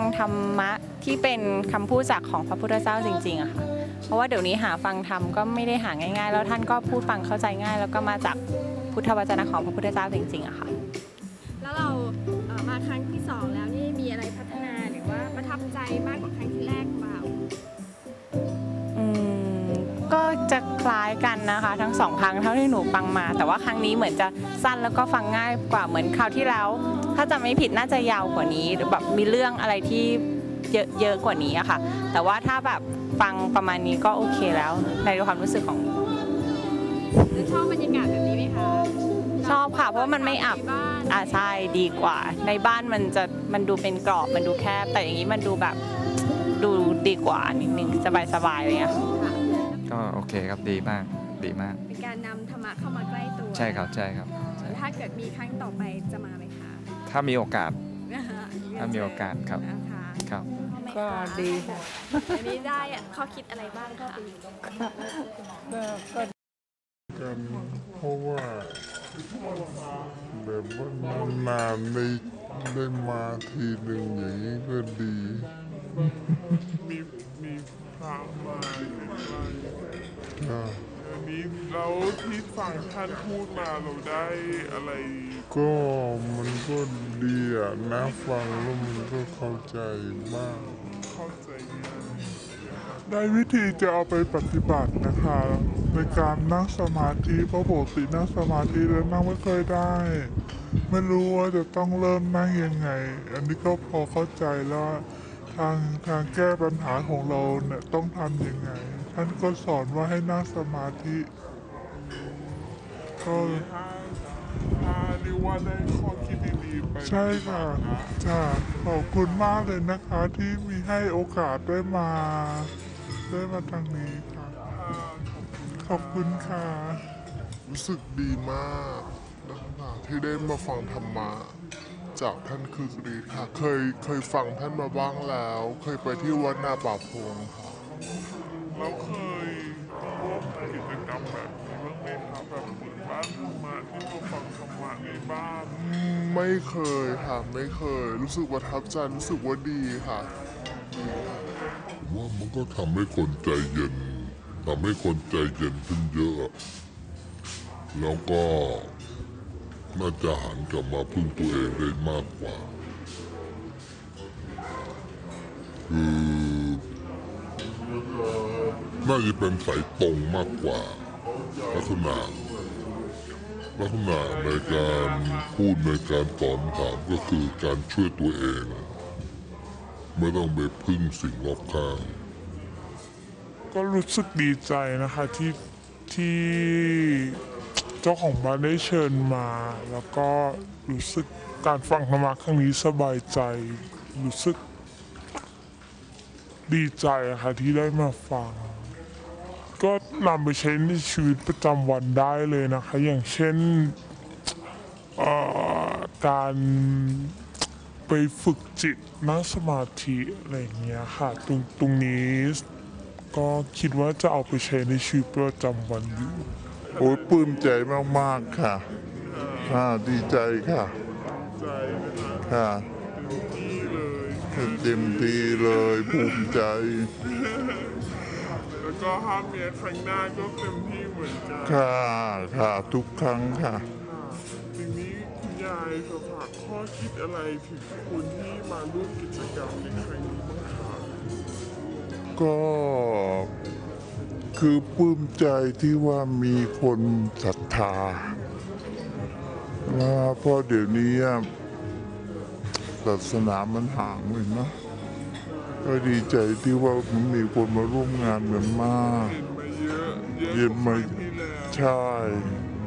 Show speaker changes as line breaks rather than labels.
ธรรมะที่เป็นคำพูดจากของพระพุทธเจ้าจริงๆอะค่ะเพราะว่าเดี๋ยวนี้หาฟังธรรมก็ไม่ได้หาง่ายๆแล้วท่านก็พูดฟังเข้าใจง่ายแล้วก็มาจากพุทธวจนะของพระพุทธเจ้าจริงๆอะค่ะ
แล้วเรามาครั้งที่2แล้วนี่มีอะไรพัฒนาหรือว่าประทับใจมากกว่าครั้งที่แรกเปล่า
ก็จะคล้ายกันนะคะทั้งสองครั้งเท่าที่หนูฟังมาแต่ว่าครั้งนี้เหมือนจะสั้นแล้วก็ฟังง่ายกว่าเหมือนคราวที่แล้วถ้าจำไม่ผิดน่าจะยาวกว่านี้หรือแบบมีเรื่องอะไรที่เยอะกว่านี้อะค่ะแต่ว่าถ้าแบบฟังประมาณนี้ก็โอเคแล้วในความรู้สึกของ
แล้วชอบบรรยากาศแบบนี้ไหมคะ
ชอบค่ะเพราะว่ามันไม่อับใช่ดีกว่าในบ้านมันดูเป็นกรอบมันดูแคบแต่อย่างนี้มันดูแบบดูดีกว่านิดนึงสบายๆอะไรเงี้ย
ก็โอเคครับดีมาก
เป็นการนำธรรมะเข้ามาใกล้ตัว
ใช่ครับ
ถ้าเกิดมีครั้งต่อไปจะมาไหมคะ
ถ้ามีโอกาสครับครับ
ก็ดีค่ะ
อันนี้ได้ข้อคิดอะไรบ้างคะ
กันเพราะว่าแบบว่านานๆได้มาทีหนึ่งอย่างนี้ก็ดี
มีพระมาอันนี้แล้วที่ฟังท่านพูดมาเราได้อะไร
ก็มันก็ดีอะนะฟังแล้วมันก็เข้าใจมาก
เข้าใจได้วิธีจะเอาไปปฏิบัตินะคะในการนั่งสมาธิเพราะปกตินั่งสมาธิแล้วนั่งไม่เคยได้ไม่รู้ว่าจะต้องเริ่มนั่งยังไงอันนี้ก็พอเข้าใจแล้วทางแก้ปัญหาของเราเนี่ยต้องทำยังไงท่านก็สอนว่าให้นั่งสมาธิก็เรียกว่าได้ข้อคิดดีๆไปใช่ค่ะขอบคุณมากเลยนะคะที่มีให้โอกาสได้มาทางนี้ค่ะขอบคุณค่ะ
รู้สึกดีมากนะคะที่ได้มาฟังธรรมะจากท่านคือรีค่ะเคยฟังท่านมาบ้างแล้วเคยไปที่วัดนาป่าพงค่ะ
แล้วเคยร่วมกิจกรรมแบบนี้บ้างไหมครับแบบเปิดบ้านธรรมะที่มาฟังธรรมะในบ้าน
ไม่เคยค่ะไม่เคยรู้สึกประทับใจรู้สึกว่าดีค่ะ
ว่ามันก็ทำให้คนใจเย็นขึ้นเยอะแล้วก็น่าจะหันกลับมาพึ่งตัวเองได้มากกว่าคือน่าจะเป็นสายตรงมากกว่าลักษณะในการพูดในการตอบถามก็คือการช่วยตัวเองไม่ต้องไปพึ่งสิ่งรอบข้าง
ก็รู้สึกดีใจนะคะที่เจ้าของบ้านได้เชิญมาแล้วก็รู้สึกการฟังธรรมะครั้งนี้สบายใจรู้สึกดีใจค่ะที่ได้มาฟังก็นำไปใช้ในชีวิตประจำวันได้เลยนะคะอย่างเช่นการไปฝึกจิตนั่งสมาธิอะไรอย่างเงี้ยค่ะตรงนี้ก็คิดว่าจะเอาไปใช้ในชีวิตประจำวันอยู่
โอ้ยปลื้มใจมากๆค่ะดีใจค่ะค่ะเต็มที่เลยภูมิใจ
แล้วก็ห้ามเมียครั้งหน้าก็เต็มที่เหมือนกัน
ค่ะทุกครั้งค่ะ
ทีนี้คุณยายจะฝากข้อคิดอะไรถึงคนที่มาร่วมกิจกรรมในครั้งนี้บ้างคะ
ก็คือปลื้มใจที่ว่ามีคนศรัทธาเพราะเดี๋ยวนี้ศาสนามันห่างเลยนะก็ดีใจที่ว่ามันมีคนมาร่วมงานกันมาก
เย็นมา
ใช่